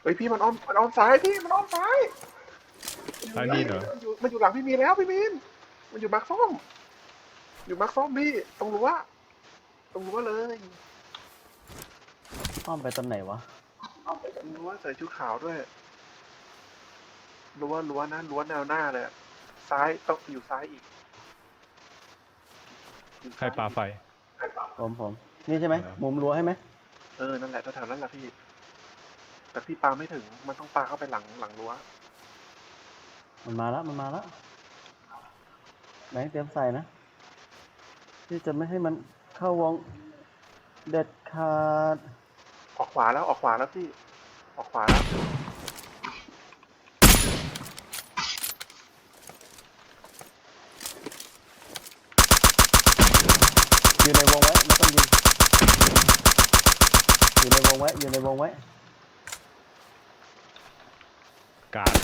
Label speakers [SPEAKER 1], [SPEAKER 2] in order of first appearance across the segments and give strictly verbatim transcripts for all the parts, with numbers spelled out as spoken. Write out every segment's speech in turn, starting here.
[SPEAKER 1] เฮ้ยพี่มันอ้อมมันอ้อมซ้ายพี่มันอ้อมซ้าย
[SPEAKER 2] ซ้ายนี่เหรอ
[SPEAKER 1] มันอยู่มันอยู่หลังพี่มีนแล้วพี่มีนมันอยู่มาร์คส้มอยู่มาร์คส้มพี่ตรงรั้วตรงรั้วเลย
[SPEAKER 3] อ้อมไปตอนไหนวะ
[SPEAKER 1] ตรงรั้วใส่ชุดขาวด้วยรั้วรั้วนะรั้วแนวหน้าเลยอะซ้ายต้องอยู่ซ้ายอีกอยู่
[SPEAKER 2] ใคร
[SPEAKER 1] ซ้ย
[SPEAKER 2] ปาไฟ
[SPEAKER 3] ผมผมนี่ใช่ไหม
[SPEAKER 2] เออ
[SPEAKER 3] มุมรั้วใช่ไหม
[SPEAKER 1] เออนั่นแหละแถวๆนั้นแหละพี่ แต่พี่ปาไม่ถึงมันต้องปาเข้าไปหลังหลังรั้ว
[SPEAKER 3] มันมาแล้วมันมาแล้วแบงค์เตรียมใส่นะที่จะไม่ให้มันเข้าวงเด็ดขาด
[SPEAKER 1] ออกขวาแล้วออกขวาแล้วพี่ออกขวาแล้ว
[SPEAKER 3] อยู่ในวงไว้ไม่ต้องยิงอยู่ในวงไว้อยู่ในวงไว้
[SPEAKER 2] กาด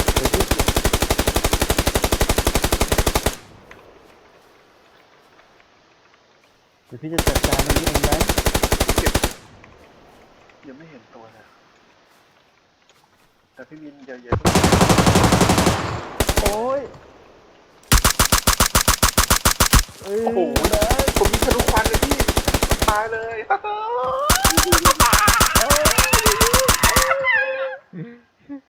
[SPEAKER 3] เดี๋ยวพี่เดี๋ยวพี่จะจัดการตรงนี้เองไหม
[SPEAKER 1] เก็บยังไม่เห็นตัวเลยแต่พี่มินเยอะๆ
[SPEAKER 3] โอ้ยเอ้ย
[SPEAKER 1] โอ้โห
[SPEAKER 3] แบงค์
[SPEAKER 1] ผมมีทะลุควันเลยพี่ตายเลย
[SPEAKER 3] เอ้ย